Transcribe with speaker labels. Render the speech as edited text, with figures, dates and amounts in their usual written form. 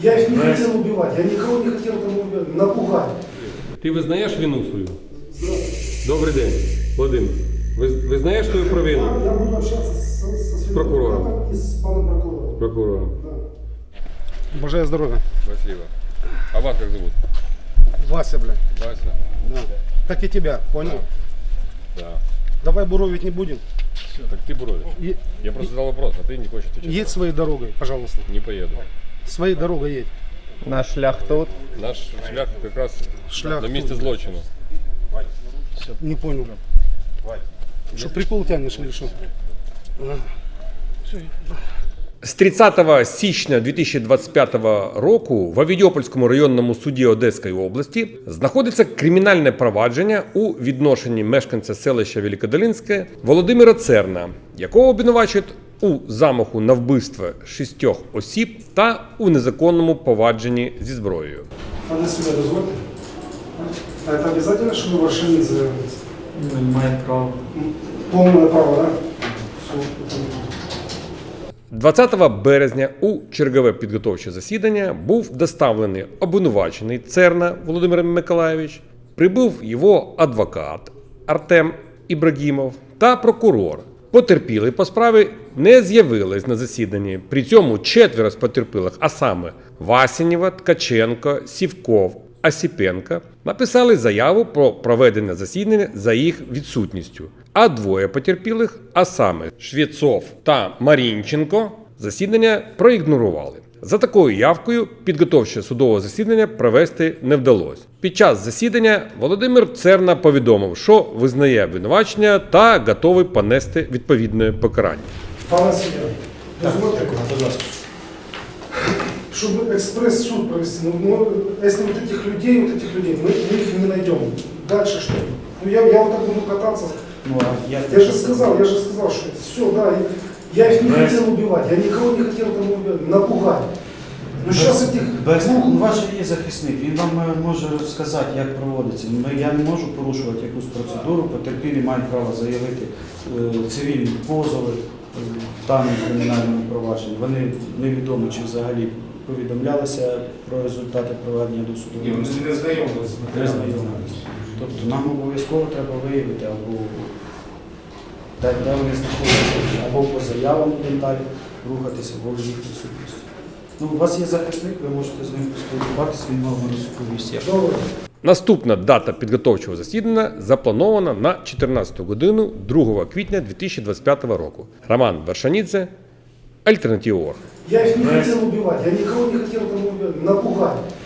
Speaker 1: Я их не хотел убивать, я никого не хотел там убивать, напугать.
Speaker 2: Ти визнаєш вину свою? Добрий день, Владимир. Визнаєш свою провину?
Speaker 1: Я буду общаться со
Speaker 2: прокурором.
Speaker 1: адвокатом и с паном прокурором.
Speaker 2: Прокурором.
Speaker 1: Да. Божаю здоровья.
Speaker 2: Спасибо. А вас как зовут?
Speaker 1: Вася, блядь.
Speaker 2: Вася?
Speaker 1: Да. Как и тебя, понял?
Speaker 2: Да.
Speaker 1: Давай буровить не будем.
Speaker 2: Так ты буровишь. Я просто задал вопрос, а ты не хочешь отвечать.
Speaker 1: Едь своей дорогой, пожалуйста.
Speaker 2: Не поеду.
Speaker 1: Своей дорогой едь.
Speaker 3: Наш шлях тут.
Speaker 2: Наш шлях как раз
Speaker 1: Шлях
Speaker 2: на месте
Speaker 1: тут.
Speaker 2: злочина.
Speaker 1: Не понял. Что, прикол тянешь или что?
Speaker 2: З 30 січня 2025 року в Авідіопольському районному суді Одеської області знаходиться кримінальне провадження у відношенні мешканця селища Великодолинське Володимира Церна, якого обвинувачують у замаху на вбивство 6 осіб та у незаконному повадженні зі зброєю.
Speaker 1: А на себя дозвольте. А это обязательно, чтобы Варшанин заявился?
Speaker 3: Він має право.
Speaker 1: Полное право, да? Все,
Speaker 2: 20 березня у чергове підготовче засідання був доставлений обвинувачений Церна Володимир Миколайович, прибув його адвокат Артем Ібрагімов та прокурор. Потерпілі по справі не з'явились на засіданні. При цьому 4 з потерпілих, а саме Васінєва, Ткаченко, Сівков, Осіпенко, написали заяву про проведення засідання за їх відсутністю. А 2 потерпілих, а саме Швєцов та Марінченко, засідання проігнорували. За такою явкою підготовче судове засідання провести не вдалося. Під час засідання Володимир Церна повідомив, що визнає обвинувачення та готовий понести відповідне покарання.
Speaker 1: Пане суддя, дозвольте, чтобы экспресс-суд провести, если вот этих людей, мы их не найдем. Дальше что? Ну я вот так буду кататься. Я же сказал, что все, да, я их не хотел убивать, я никого не хотел там убивать, напугать. Ну сейчас этих двух...
Speaker 4: Ваш є захисник, він вам може розказати, як проводиться. Я не можу порушувати якусь процедуру, потерпілі мають право заявити цивільні позови в даному кримінальному провадженні. Вони невідомо, чи взагалі повідомлялися про результати проведення досудового розслідування. Не знайомилися. Тобто нам обов'язково треба виявити, або де вони знаходяться, або по заявам далі рухатися, або в їх присутності. Ну, у вас є захисник, ви можете з ним поспілкуватися, він вам розповісти.
Speaker 2: Наступна дата підготовчого засідання запланована на 14 годину 2 квітня 2025 року. Роман Вершанідзе, Альтернатива.орг.
Speaker 1: Я их не хотел убивать, я никого не хотел там убивать, напугать.